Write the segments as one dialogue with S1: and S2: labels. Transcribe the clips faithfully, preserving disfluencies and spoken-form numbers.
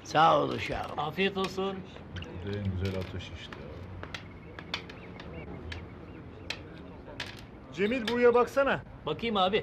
S1: Sağ ol uşağım.
S2: Afiyet olsun.
S3: En güzel atış işte.
S4: Cemil buraya baksana.
S2: Bakayım abi.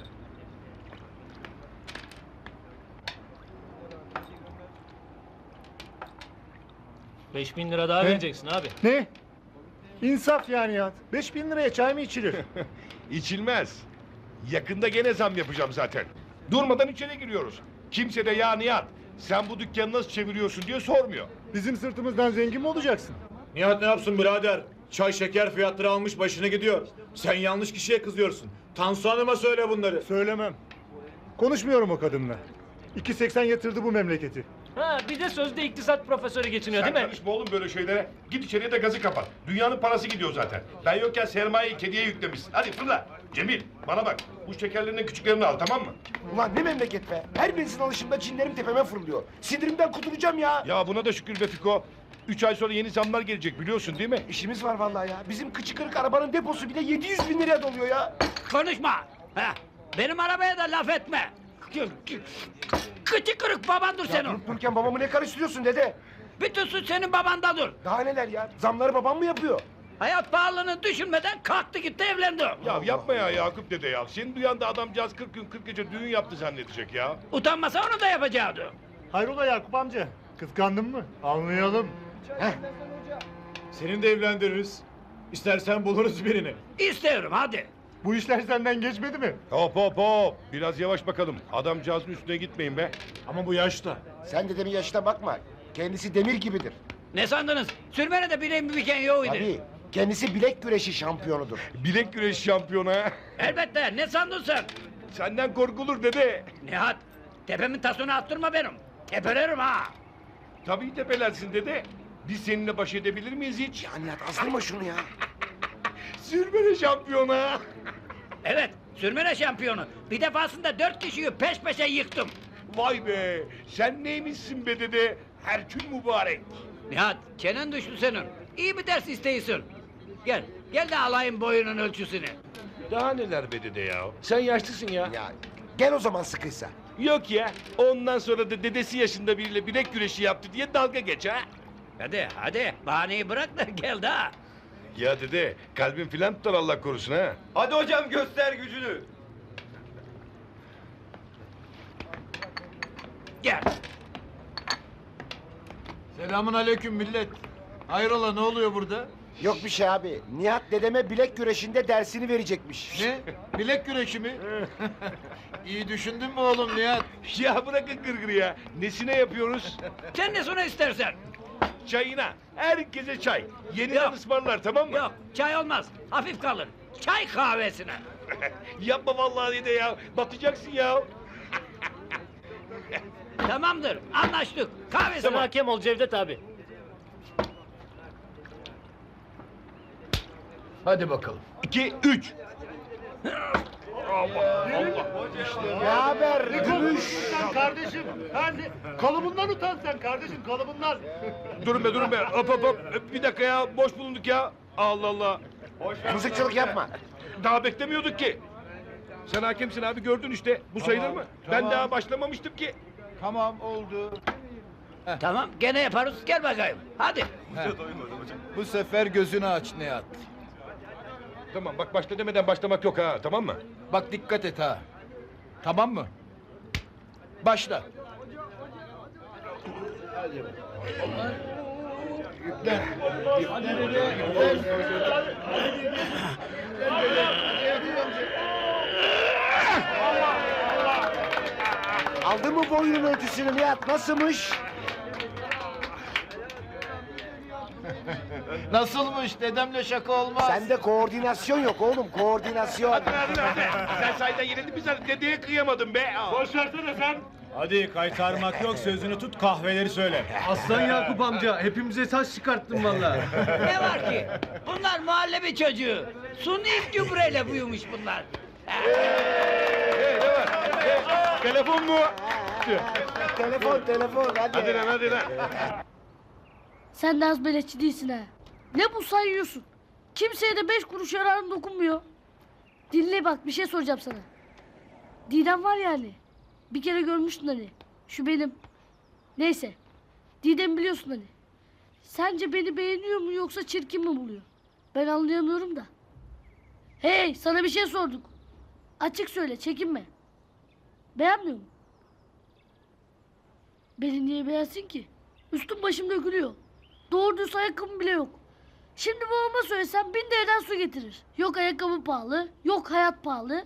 S2: Beş bin lira daha
S4: He?
S2: vereceksin abi.
S4: Ne? İnsaf yani ya. Beş bin liraya çay mı içilir?
S5: İçilmez. Yakında gene zam yapacağım zaten. Durmadan içeri giriyoruz. Kimse de ya Nihat sen bu dükkanı nasıl çeviriyorsun diye sormuyor.
S4: Bizim sırtımızdan zengin mi olacaksın?
S3: Nihat ne yapsın birader? Çay şeker fiyatları almış başını gidiyor. Sen yanlış kişiye kızıyorsun. Tansu Hanım'a söyle bunları.
S4: Söylemem. Konuşmuyorum o kadınla. iki seksen yatırdı bu memleketi.
S2: Ha bir de sözde iktisat profesörü geçiniyor
S5: Sen
S2: değil mi?
S5: karışma oğlum böyle şeylere. Git içeriye de gazı kapat. Dünyanın parası gidiyor zaten. Ben yokken sermayeyi kediye yüklemişsin. Hadi fırla. Cemil bana bak. Bu şekerlerinin küçüklerini al tamam mı?
S6: Ulan ne memleket be. Her birinizin alışımda cinlerim tepeme fırlıyor. Sinirimden kuduracağım ya.
S5: Ya buna da şükür be Fiko. Üç ay sonra yeni zamlar gelecek biliyorsun değil mi?
S6: İşimiz var vallahi ya. Bizim kıçı kırık arabanın deposu bile yedi yüz bin liraya doluyor ya.
S1: Konuşma. Ha, benim arabaya da laf etme. Kıçı kırık babandır
S6: Ya
S1: senin.
S6: durup dururken babamı ne karıştırıyorsun dede?
S1: Bütün suç senin babandadır.
S6: Daha neler ya? Zamları babam mı yapıyor?
S1: Hayat pahalılığını düşünmeden kalktı gitti evlendi.
S5: Ya yapma ya Yakup dede ya. Senin duyan da adamcağız kırk gün kırk gece düğün yaptı zannedecek ya.
S1: Utanmasa onu da yapacaktı.
S4: Hayrola Yakup amca? Kıskandın mı? Anlayalım.
S3: Seni de evlendiririz. İstersen buluruz birini.
S1: İstiyorum hadi.
S4: Bu işler senden geçmedi mi?
S5: Hop hop hop. Biraz yavaş bakalım. Adamcağızın üstüne gitmeyin be.
S3: Ama bu yaşta.
S6: Sen dedemin yaşına bakma. Kendisi demir gibidir.
S1: Ne sandınız? Sürmene de bileğim bir biken yok idi.
S6: Tabii. Kendisi bilek güreşi şampiyonudur.
S5: Bilek güreşi şampiyonu ha.
S1: Elbette ne sandın sen?
S5: Senden korkulur dede.
S1: Nihat tepemin tasını attırma benim. Tepelerim ha.
S5: Tabii tepelersin dede. Biz seninle baş edebilir miyiz hiç?
S6: Ya Nihat azdırma şunu ya.
S5: Sürmene şampiyonu ha.
S1: Evet sürmene şampiyonu. Bir defasında dört kişiyi peş peşe yıktım.
S5: Vay be. Sen neymişsin be dede? Herkül mübarek.
S1: Nihat çenen düştü senin. İyi bir ders isteyisin. Gel gel de alayım boyunun ölçüsünü.
S5: Daha neler be dede ya? Sen yaşlısın ya.
S6: Ya gel o zaman sıkıysa.
S5: Yok ya. Ondan sonra da dedesi yaşında biriyle bilek güreşi yaptı diye dalga geç ha.
S1: Hadi hadi bahaneyi bırak da gel daha.
S5: Ya dede kalbin filan tutar Allah korusun ha.
S7: Hadi hocam göster gücünü.
S1: Gel.
S3: Selamun aleyküm millet. Hayrola ne oluyor burada?
S6: Yok bir şey abi. Nihat dedeme bilek güreşinde dersini verecekmiş.
S3: Ne? Bilek güreşi mi? İyi düşündün mü oğlum Nihat?
S5: Ya bırakın gırgırı ya. Nesine yapıyoruz?
S1: Sen ne sonra istersen.
S5: Çayına. Herkese çay. Yeniden
S1: Yok.
S5: ısmarlar tamam mı?
S1: Yok çay olmaz. Hafif kalır. Çay kahvesine.
S5: Yapma vallahi dede ya. Batacaksın ya.
S1: Tamamdır anlaştık.
S2: Sen
S1: Kahvesine.
S2: hakem ol Cevdet abi.
S3: Hadi bakalım.
S5: İki, üç.
S6: Ne haber? Gümüş.
S4: Sen kardeşim. Hadi. Kalıbından utan sen kardeşim kalıbından.
S5: Durun be durun be. Hop hop hop. Bir dakika ya. Boş bulunduk ya. Allah Allah.
S6: Mızıkçılık yapma.
S5: Daha beklemiyorduk ki. Sen hakemsin abi gördün işte. Bu sayılır mı? Ben daha başlamamıştım ki.
S3: Tamam oldu.
S1: Tamam gene yaparız gel bakayım. Hadi.
S3: Bu sefer gözünü aç Nihat.
S5: Tamam bak başla demeden başlamak yok ha tamam mı?
S3: Bak dikkat et ha. Tamam mı? Başla.
S6: Aldın mı boyunun ölçüsünü Nihat? Nasılmış?
S3: Nasılmış? Dedemle şaka olmaz.
S6: Sende koordinasyon yok oğlum. Koordinasyon.
S5: Hadi hadi hadi. Sen sayeden yenildin mi sen? Dedeye kıyamadım be.
S4: Boş versene sen.
S8: Hadi kaytarmak yok sözünü tut kahveleri söyle.
S7: Aslan Yakup amca hepimize saç çıkarttın vallahi.
S1: Ne var ki? Bunlar muhallebi çocuğu. Suni gübreyle büyümüş bunlar.
S5: Telefon mu?
S6: telefon telefon hadi.
S5: Hadi lan hadi lan.
S9: Sen de az beleşçi değilsin ha. Ne bu sayıyorsun? Kimseye de beş kuruş yararım dokunmuyor. Dinle bak bir şey soracağım sana. Didem var yani. Bir kere görmüştün hani. Şu benim. Neyse Didem biliyorsun hani. Sence beni beğeniyor mu yoksa çirkin mi buluyor? Ben anlayamıyorum da. Hey, sana bir şey sorduk. Açık söyle, çekinme. Beğenmiyor mu? Beni niye beğensin ki? Üstüm başım dökülüyor. Doğru düz ayakkabım bile yok. Şimdi babama söylesem bin liradan su getirir. Yok ayakkabı pahalı, yok hayat pahalı.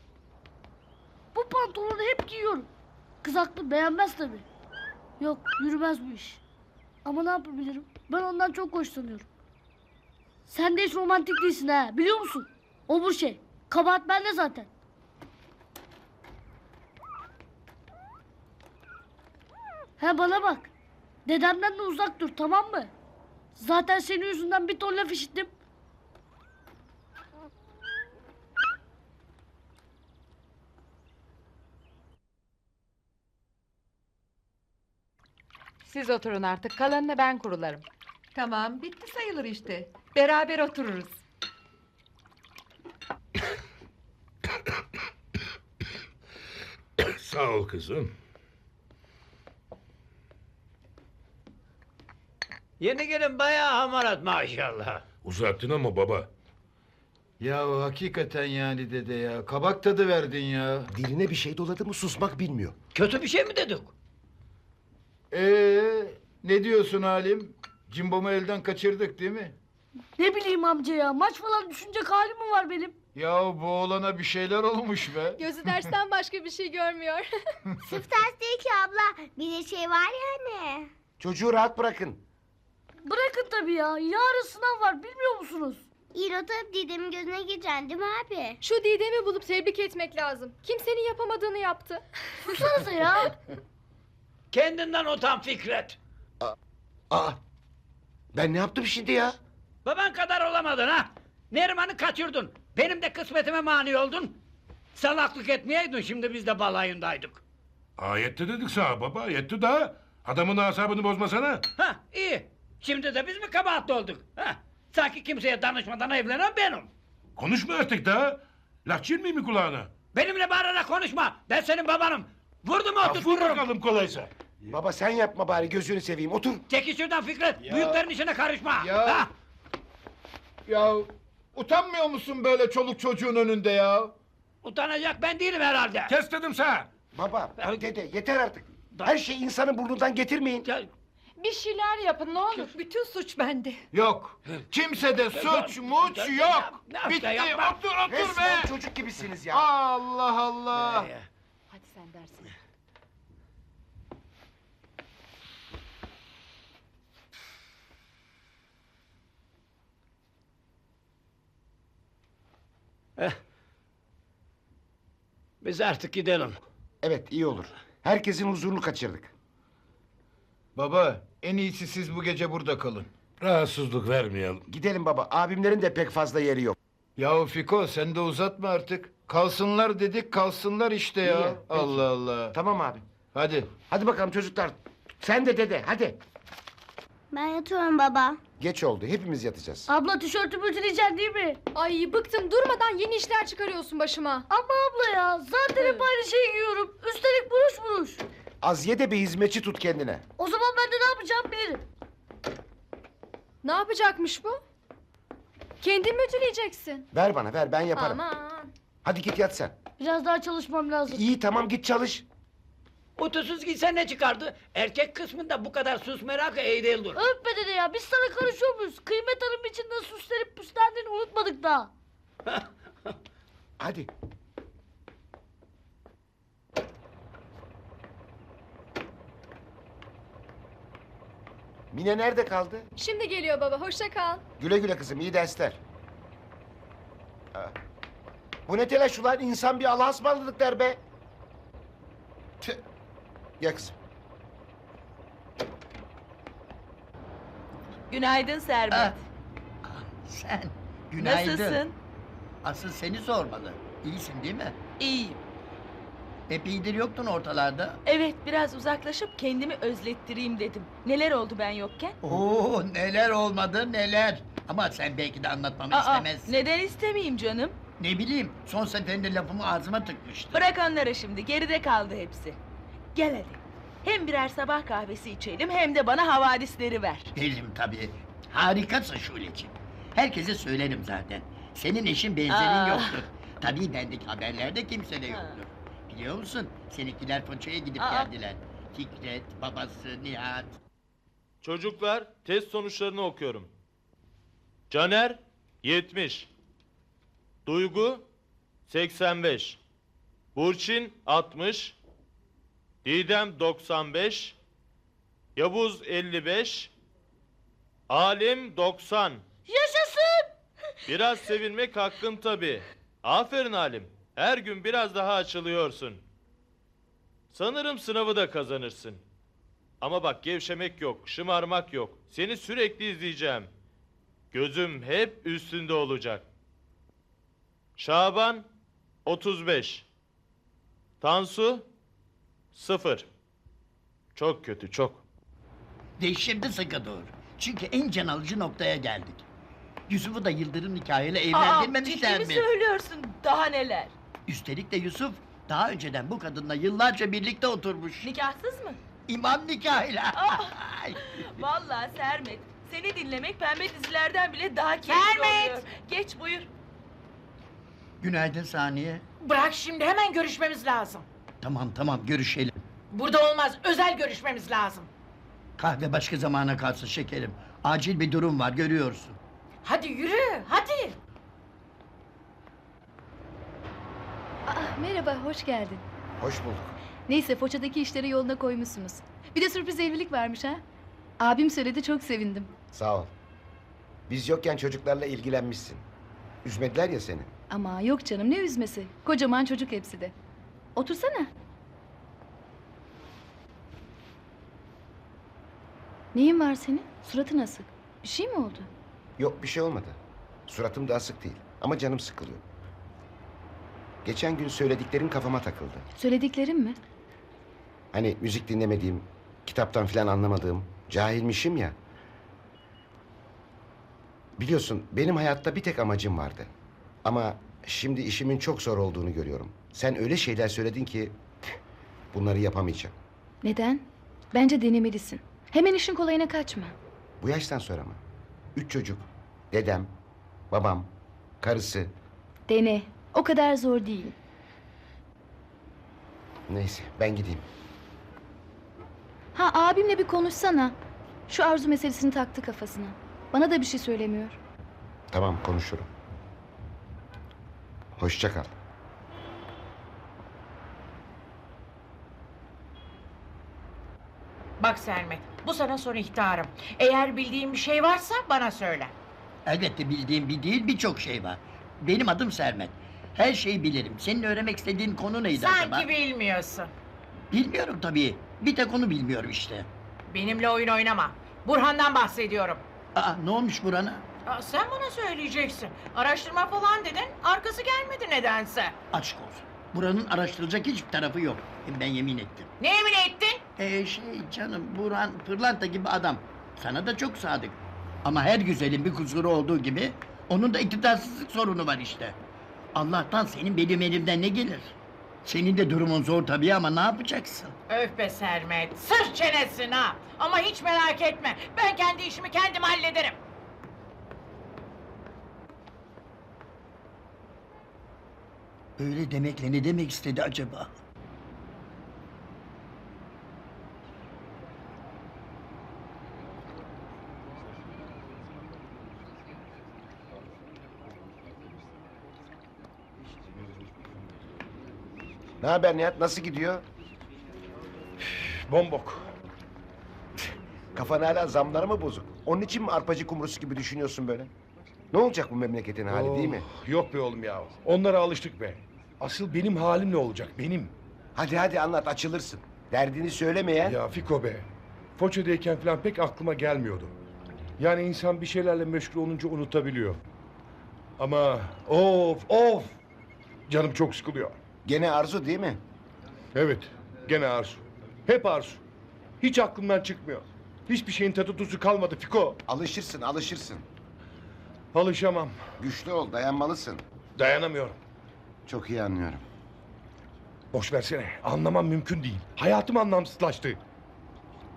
S9: Bu pantolonu hep giyiyorum. Kız haklı, beğenmez tabii. Yok, yürümez bu iş. Ama ne yapabilirim? Ben ondan çok hoşlanıyorum. Sen de hiç romantik değilsin ha, biliyor musun? O bu şey. Kabahat bende zaten. He bana bak. Dedemden de uzak dur, tamam mı? Zaten senin yüzünden bir ton laf işittim.
S10: Siz oturun artık. Kalanını ben kurularım.
S11: Tamam, bitti sayılır işte. Beraber otururuz.
S5: Sağ ol kızım.
S1: Yeni gelin bayağı hamarat maşallah.
S5: Uzattın ama baba.
S7: Ya hakikaten yani dede ya. Kabak tadı verdin ya.
S6: Diline bir şey doladı mı susmak bilmiyor.
S1: Kötü bir şey mi dedik?
S7: Ee, ne diyorsun Halim? Cimbom'u elden kaçırdık değil mi?
S9: Ne bileyim amca ya, maç falan düşünecek halim mi var benim?
S7: Ya bu oğlana bir şeyler olmuş be.
S12: Gözü dersten başka bir şey görmüyor.
S13: Sırf ders değil ki abla. Bir de şey var ya anne.
S6: Çocuğu rahat bırakın.
S9: Bırakın tabii ya, yarın sınav var, bilmiyor musunuz?
S13: İyi not alıp Didem'in gözüne gireceksin değil mi abi?
S12: Şu Didem'i bulup tebrik etmek lazım. Kimsenin yapamadığını yaptı.
S9: Susanıza ya.
S1: Kendinden utan Fikret.
S6: Aa, ben ne yaptım şimdi ya?
S1: Baban kadar olamadın ha. Neriman'ı kaçırdın. Benim de kısmetime mani oldun. Salaklık etmeyeydin, şimdi biz de balayındaydık.
S5: Aa, yetti dedik sana baba, yetti daha. Adamın asabını bozmasana.
S1: Ha iyi. Şimdi de biz mi kabahatli olduk? Ha? Sanki kimseye danışmadan evlenen benim.
S5: Konuşma artık daha. Laf çirmeyeyim mi kulağına?
S1: Benimle bağırarak konuşma. Ben senin babanım. Vurdum
S5: Ya vur
S1: oturturum.
S5: bakalım kolaysa.
S6: Baba sen yapma bari, gözünü seveyim, otur.
S1: Çekil şuradan Fikret.
S7: Ya.
S1: Büyüklerin işine karışma.
S7: Ya.
S1: Ha?
S7: Ya utanmıyor musun böyle çoluk çocuğun önünde ya?
S1: Utanacak ben değilim herhalde.
S5: Kes dedim sana.
S6: Baba, dede yeter artık. Her şeyi insanın burnundan getirmeyin.
S1: Ya,
S11: Bir şeyler yapın ne olur. Bütün suç bende.
S7: Yok. Kimsede suç muç yok.
S1: Ne yaptı,
S7: Bitti.
S1: yapma.
S7: Otur otur
S6: Resmen
S7: be.
S6: çocuk gibisiniz ya.
S7: Allah Allah.
S1: Ee,
S10: Hadi sen dersine.
S1: Biz artık gidelim.
S6: Evet, iyi olur. Herkesin huzurunu kaçırdık.
S7: Baba en iyisi siz bu gece burada kalın.
S5: Rahatsızlık vermeyelim.
S6: Gidelim baba, abimlerin de pek fazla yeri yok.
S7: Yahu Fiko sen de uzatma artık. Kalsınlar dedik kalsınlar işte ya.
S6: İyi ya, peki.
S7: Allah Allah.
S6: Tamam abi.
S7: Hadi.
S6: Hadi bakalım çocuklar. Sen de dede, hadi.
S13: Ben yatıyorum baba.
S6: Geç oldu, hepimiz yatacağız.
S9: Abla tişörtümü ütüleyeceksin değil mi?
S12: Ay bıktım, durmadan yeni işler çıkarıyorsun başıma.
S9: Ama abla ya, zaten hep aynı şeyi giyiyorum. Üstelik buruş buruş.
S6: Az ye de bir hizmetçi tut kendine.
S9: O zaman ben de ne yapacağım bilirim.
S12: Ne yapacakmış bu? Kendin mi ütüleyeceksin?
S6: Ver bana, ver, ben yaparım.
S12: Aman.
S6: Hadi git yat sen.
S9: Biraz daha çalışmam lazım.
S6: İyi, tamam, git çalış.
S1: Utusuz gitsen ne çıkardı? Erkek kısmında bu kadar sus merakı iyi değildir.
S9: Öpme dede ya, biz sana karışıyor muyuz? Kıymet Hanım için nasıl süslenip püslendiğini unutmadık daha.
S6: Hadi. Mine nerede kaldı?
S12: Şimdi geliyor baba, hoşça kal.
S6: Güle güle kızım, iyi dersler. Ha. Bu ne telaş ulan, insan bir Allah'a ısmarladık der be. Tüh. Gel kızım.
S11: Günaydın Sermet.
S1: Sen
S11: Nasılsın?
S1: Asıl seni sormalı. İyisin değil mi?
S11: İyiyim.
S1: Epeydir yoktun ortalarda.
S11: Evet biraz uzaklaşıp kendimi özlettireyim dedim. Neler oldu ben yokken?
S1: Oo neler olmadı neler. Ama sen belki de anlatmamı
S11: Aa,
S1: istemezsin.
S11: neden istemeyeyim canım?
S1: Ne bileyim, son seferinde lafımı ağzıma tıkmıştı.
S11: Bırak onları şimdi geride kaldı hepsi. Gel hadi. Hem birer sabah kahvesi içelim hem de bana havadisleri ver.
S14: Veririm tabii. Harikasın Şuleciğim. Herkese söylerim zaten. Senin eşin benzerin
S11: Aa.
S14: yoktur. Tabii bendeki haberlerde kimse de yoktur. Biliyor musun? Seninkiler Foça'ya gidip
S11: Aa.
S14: geldiler. Fikret, babası, Nihat.
S8: Çocuklar, test sonuçlarını okuyorum. Caner yetmiş. Duygu seksen beş. Burçin altmış. Didem doksan beş. Yavuz elli beş. Alim doksan.
S11: Yaşasın!
S8: Biraz sevinmek hakkın tabii. Aferin Halim. Her gün biraz daha açılıyorsun. Sanırım sınavı da kazanırsın. Ama bak gevşemek yok, şımarmak yok. Seni sürekli izleyeceğim. Gözüm hep üstünde olacak. Şaban otuz beş. Tansu sıfır. Çok kötü, çok.
S14: Ve şimdi sıkı dur. Çünkü en can alıcı noktaya geldik. Yusuf'u da Yıldırım nikahıyla
S11: Aa,
S14: evlendirmemişler
S11: ciddi mi
S14: mi?
S11: söylüyorsun? Daha neler?
S14: Üstelik de Yusuf daha önceden bu kadınla yıllarca birlikte oturmuş.
S11: Nikahsız mı?
S14: İmam nikahıyla. Ay.
S11: Vallahi Sermet, seni dinlemek pembe dizilerden bile daha keyifli
S10: Sermet!
S11: oluyor. Geç buyur.
S14: Günaydın Saniye.
S10: Bırak şimdi, hemen görüşmemiz lazım.
S14: Tamam tamam görüşelim.
S10: Burada olmaz, özel görüşmemiz lazım.
S14: Kahve başka zamana kalsın şekerim. Acil bir durum var görüyorsun.
S10: Hadi yürü, hadi.
S12: Merhaba, hoş geldin.
S6: Hoş bulduk.
S12: Neyse, Foça'daki işleri yoluna koymuşsunuz. Bir de sürpriz evlilik varmış ha. Abim söyledi, çok sevindim.
S6: Sağ ol. Biz yokken çocuklarla ilgilenmişsin. Üzmediler ya seni.
S12: Ama yok canım, ne üzmesi. Kocaman çocuk hepsi de. Otursana. Neyin var senin? Suratın asık. Bir şey mi oldu?
S6: Yok bir şey olmadı. Suratım da asık değil. Ama canım sıkılıyor. Geçen gün söylediklerin kafama takıldı.
S12: Söylediklerim mi?
S6: Hani müzik dinlemediğim, kitaptan filan anlamadığım, cahilmişim ya. Biliyorsun benim hayatta bir tek amacım vardı. Ama şimdi işimin çok zor olduğunu görüyorum. Sen öyle şeyler söyledin ki bunları yapamayacağım.
S12: Neden? Bence denemelisin. Hemen işin kolayına kaçma.
S6: Bu yaştan sonra mı? Üç çocuk, dedem, babam, karısı.
S12: Dene. O kadar zor değil.
S6: Neyse ben gideyim.
S12: Ha, abimle bir konuşsana. Şu Arzu meselesini taktı kafasına. Bana da bir şey söylemiyor.
S6: Tamam konuşurum. Hoşça kal.
S10: Bak Sermet, bu sana son ihtarım. Eğer bildiğin bir şey varsa bana söyle.
S14: Elbette bildiğim bir değil birçok şey var. Benim adım Sermet. Her şeyi bilirim. Senin öğrenmek istediğin konu neydi acaba?
S10: Sanki bilmiyorsun.
S14: Bilmiyorum tabii. Bir tek onu bilmiyorum işte.
S10: Benimle oyun oynama. Burhan'dan bahsediyorum.
S14: Aa ne olmuş burana?
S10: Aa, sen bana söyleyeceksin. Araştırma falan dedin, arkası gelmedi nedense.
S14: Aşk olsun. Buranın araştırılacak hiçbir tarafı yok. Ben yemin ettim.
S10: Ne emin ettin?
S14: Ee şey canım Burhan pırlanta gibi adam. Sana da çok sadık. Ama her güzelin bir kusuru olduğu gibi onun da iktidarsızlık sorunu var işte. Allah'tan senin benim elimden ne gelir? Senin de durumun zor tabii ama ne yapacaksın?
S10: Öf be Sermet, sır çenesin ha. Ama hiç merak etme, ben kendi işimi kendim hallederim.
S14: Öyle demekle ne demek istedi acaba?
S6: Ne haber Nihat? Nasıl gidiyor?
S5: Bombok.
S6: Kafan hala zamlara mı bozuk? Onun için mi arpacı kumrusu gibi düşünüyorsun böyle? Ne olacak bu memleketin hali değil mi?
S5: Oh, yok be oğlum ya. Onlara alıştık be. Asıl benim halim ne olacak benim?
S6: Hadi hadi anlat açılırsın. Derdini söylemeyen...
S5: Ya Fiko be. Foça'dayken falan pek aklıma gelmiyordu. Yani insan bir şeylerle meşgul olunca unutabiliyor. Ama of of. Canım çok sıkılıyor.
S6: Gene Arzu değil mi?
S5: Evet. Gene Arzu. Hep Arzu. Hiç aklımdan çıkmıyor. Hiçbir şeyin tadı tuzu kalmadı Fiko.
S6: Alışırsın alışırsın.
S5: Alışamam.
S6: Güçlü ol dayanmalısın.
S5: Dayanamıyorum.
S6: Çok iyi anlıyorum.
S5: Boş versene. Anlamam mümkün değil. Hayatım anlamsızlaştı.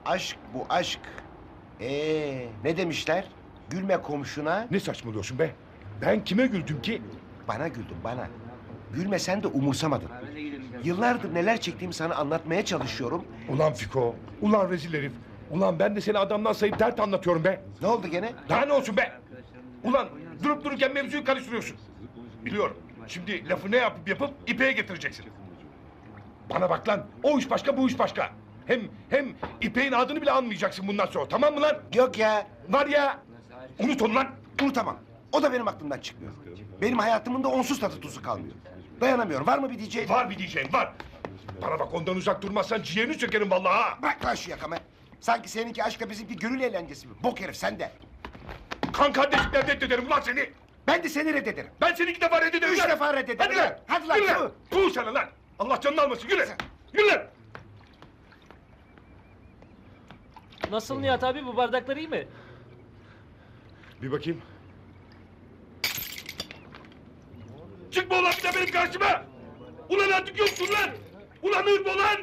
S6: Aşk bu aşk. Ee, ne demişler? Gülme komşuna.
S5: Ne saçmalıyorsun be? Ben kime güldüm ki?
S6: Bana güldün bana. Gülme sen de umursamadın. Yıllardır neler çektiğimi sana anlatmaya çalışıyorum.
S5: Ulan Fiko, ulan rezil herif. Ulan ben de seni adamdan sayıp dert anlatıyorum be.
S6: Ne oldu gene?
S5: Daha ne olsun be? Ulan durup dururken mevzuyu karıştırıyorsun. Biliyorum. Şimdi lafı ne yapıp yapıp İpek'e getireceksin. Bana bak lan. O iş başka, bu iş başka. Hem hem İpek'in adını bile anmayacaksın bundan sonra. Tamam mı lan?
S6: Yok ya.
S5: Var ya. Unut onu lan.
S6: Unutamam. O da benim aklımdan çıkmıyor. Benim hayatımın da onsuz tadı tuzu kalmıyor. Dayanamıyorum. Var mı bir diyeceğin?
S5: Var bir diyeceğin var. Bana bak ondan uzak durmazsan ciğerini sökerim vallahi ha.
S6: Bırak lan şu yakamı. Sanki seninki aşkla bizimki gönül eğlencesi mi? Bok herif sen de.
S5: Kan kardeşlikten reddederim ulan seni.
S6: Ben de seni reddederim.
S5: Ben seni iki defa reddederim.
S6: Üç
S5: lan.
S6: defa reddederim.
S5: Hadi lan.
S6: Hadi lan,
S5: Yürü
S6: yürü.
S5: lan. Tuğ sana lan. Allah canını almasın. Yürü. Yürü lan.
S2: Nasıl Nihat abi, bu bardaklar iyi mi?
S5: Bir bakayım. Çıkma ulan bir de benim karşıma! Ulan artık yoksun lan! Ulan hırma ulan!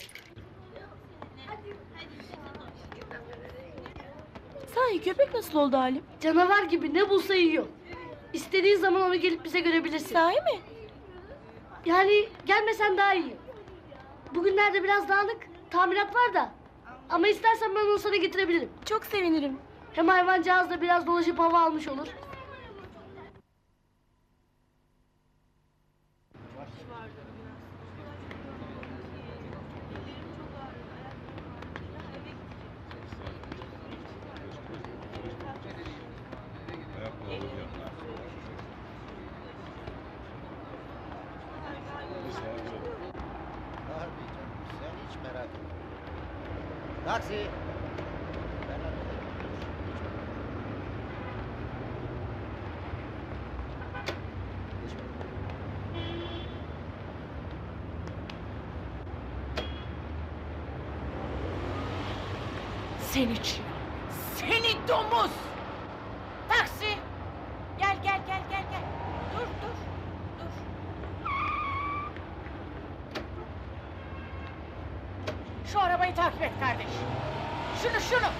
S11: Sahi köpek nasıl oldu Halim?
S9: Canavar gibi ne bulsa yiyor. İstediğin zaman onu gelip bize görebilirsin.
S11: Sahi mi?
S9: Yani gelmesen daha iyi. Bugünlerde biraz dağınık, tamirat var da. Ama istersen ben onu sana getirebilirim.
S11: Çok sevinirim.
S9: Hem hayvancağız da biraz dolaşıp hava almış olur.
S6: Sen hiç merak etme. Taksi.
S10: Seni çiğ. Seni domuz. Taksi. Gel gel gel gel gel. Dur dur. Dur. Şu arabayı takip et kardeş. Şunu şunu.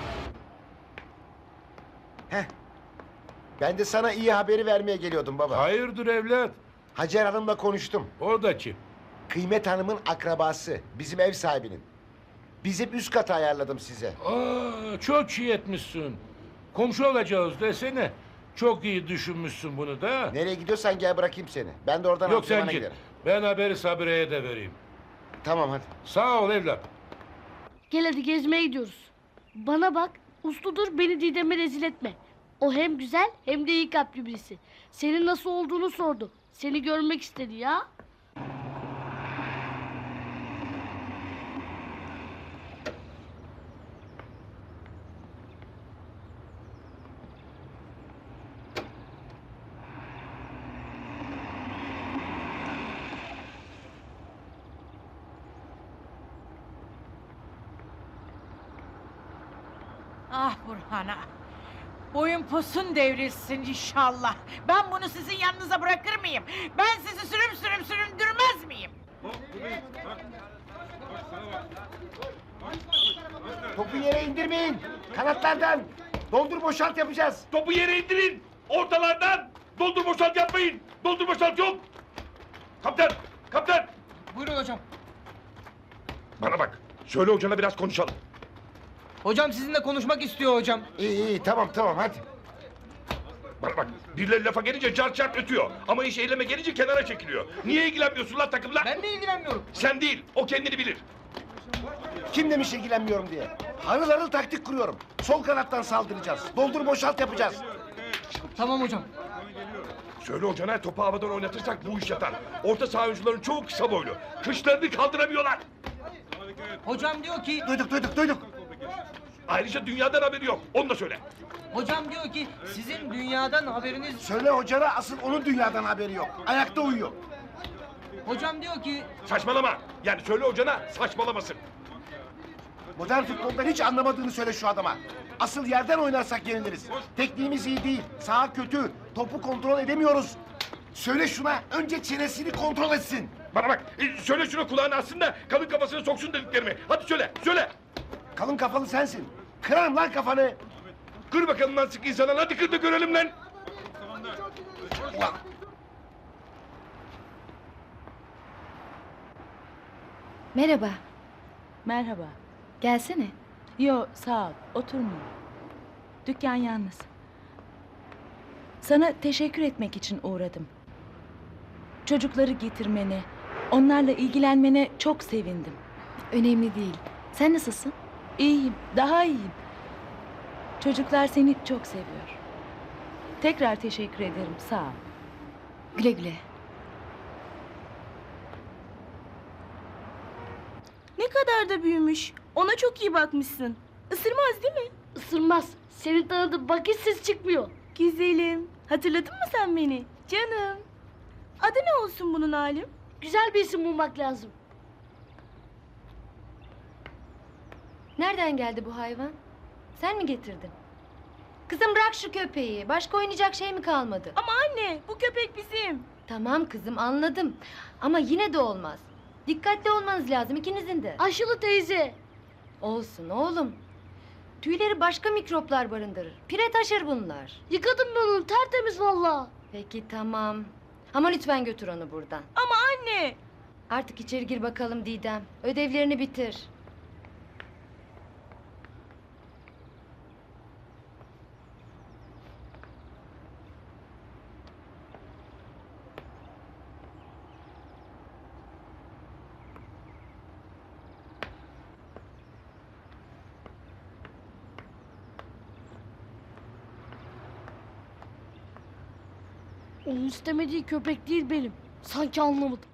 S6: Heh. Ben de sana iyi haberi vermeye geliyordum baba.
S5: Hayırdır evlat?
S6: Hacer Hanım'la konuştum.
S5: O da kim?
S6: Kıymet Hanım'ın akrabası. Bizim ev sahibinin. Bizim üst katı ayarladım size.
S5: Aa, çok iyi etmişsin. Komşu olacağız desene. Çok iyi düşünmüşsün bunu da.
S6: Nereye gidiyorsan gel bırakayım seni. Ben de oradan
S5: Yok sen
S6: antrenmana
S5: git.
S6: giderim.
S5: Ben haberi Sabire'ye de vereyim.
S6: Tamam hadi.
S5: Sağ ol evlat.
S9: Gel hadi gezmeye gidiyoruz. Bana bak, usludur, beni Didem'e rezil etme. O hem güzel hem de iyi kalpli birisi. Senin nasıl olduğunu sordu. Seni görmek istedi ya.
S10: Ah Burhan'a. Boyun posun devrilsin inşallah. Ben bunu sizin yanınıza bırakır mıyım? Ben sizi sürüm sürüm süründürmez miyim?
S6: Topu yere indirmeyin. Kanatlardan. Doldur boşalt yapacağız.
S5: Topu yere indirin. Ortalardan. Doldur boşalt yapmayın. Doldur boşalt yok. Kaptan. Kaptan.
S15: Buyurun hocam.
S5: Bana bak. Söyle hocana biraz konuşalım.
S15: Hocam sizinle konuşmak istiyor hocam.
S6: İyi iyi tamam tamam hadi.
S5: Bana bak. Birileri lafa gelince car çarp ötüyor. Ama iş eyleme gelince kenara çekiliyor. Niye ilgilenmiyorsun lan takımla?
S15: Ben mi ilgilenmiyorum?
S5: Sen değil. O kendini bilir.
S6: Kim demiş ilgilenmiyorum diye. Harıl harıl taktik kuruyorum. Sol kanattan saldıracağız. Doldur boşalt yapacağız.
S15: Tamam hocam.
S5: Söyle hocana topu havadan oynatırsak bu iş yatar. Orta saha oyuncuların çoğu kısa boylu. Kışlarını kaldıramıyorlar.
S15: Hocam diyor ki...
S6: Duyduk duyduk duyduk.
S5: Ayrıca dünyadan haberi yok. Onu da söyle.
S15: Hocam diyor ki sizin dünyadan haberiniz...
S6: Söyle hocana asıl onun dünyadan haberi yok. Ayakta uyuyor.
S15: Hocam diyor ki...
S5: Saçmalama. Yani söyle hocana saçmalamasın.
S6: Modern futboldan hiç anlamadığını söyle şu adama. Asıl yerden oynarsak yeniliriz. Tekniğimiz iyi değil. Saha kötü. Topu kontrol edemiyoruz. Söyle şuna önce çenesini kontrol etsin.
S5: Bana bak. e, söyle şuna kulağını assın da kalın kafasına soksun dediklerimi. Hadi söyle. Söyle.
S6: Kalın kafalı sensin. Kıran lan kafanı.
S5: Kır bakalım lan sık insanlar. Hadi kır da görelim lan. Ulan.
S12: Merhaba.
S11: Merhaba.
S12: Gelsene.
S11: Yo sağ ol. Oturmayayım. Dükkan yalnız. Sana teşekkür etmek için uğradım. Çocukları getirmene, onlarla ilgilenmene çok sevindim.
S12: Önemli değil. Sen nasılsın?
S11: İyiyim, daha iyiyim. Çocuklar seni çok seviyor. Tekrar teşekkür ederim, sağ ol.
S12: Güle güle.
S11: Ne kadar da büyümüş. Ona çok iyi bakmışsın. Isırmaz değil mi?
S9: Isırmaz. Senin tanıdığın vakit ses çıkmıyor.
S11: Güzelim. Hatırladın mı sen beni? Canım. Adı ne olsun bunun Halim?
S9: Güzel bir isim bulmak lazım.
S12: Nereden geldi bu hayvan? Sen mi getirdin? Kızım bırak şu köpeği. Başka oynayacak şey mi kalmadı?
S11: Ama anne, bu köpek bizim.
S12: Tamam kızım anladım. Ama yine de olmaz. Dikkatli olmanız lazım ikinizin de.
S9: Aşılı teyze.
S12: Olsun oğlum. Tüyleri başka mikroplar barındırır. Pire taşır bunlar.
S9: Yıkadım ben onu tertemiz valla.
S12: Peki tamam. Ama lütfen götür onu buradan.
S11: Ama anne.
S12: Artık içeri gir bakalım Didem. Ödevlerini bitir.
S9: Onun istemediği köpek değil benim. Sanki anlamadım.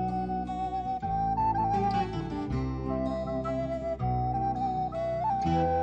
S12: Müzik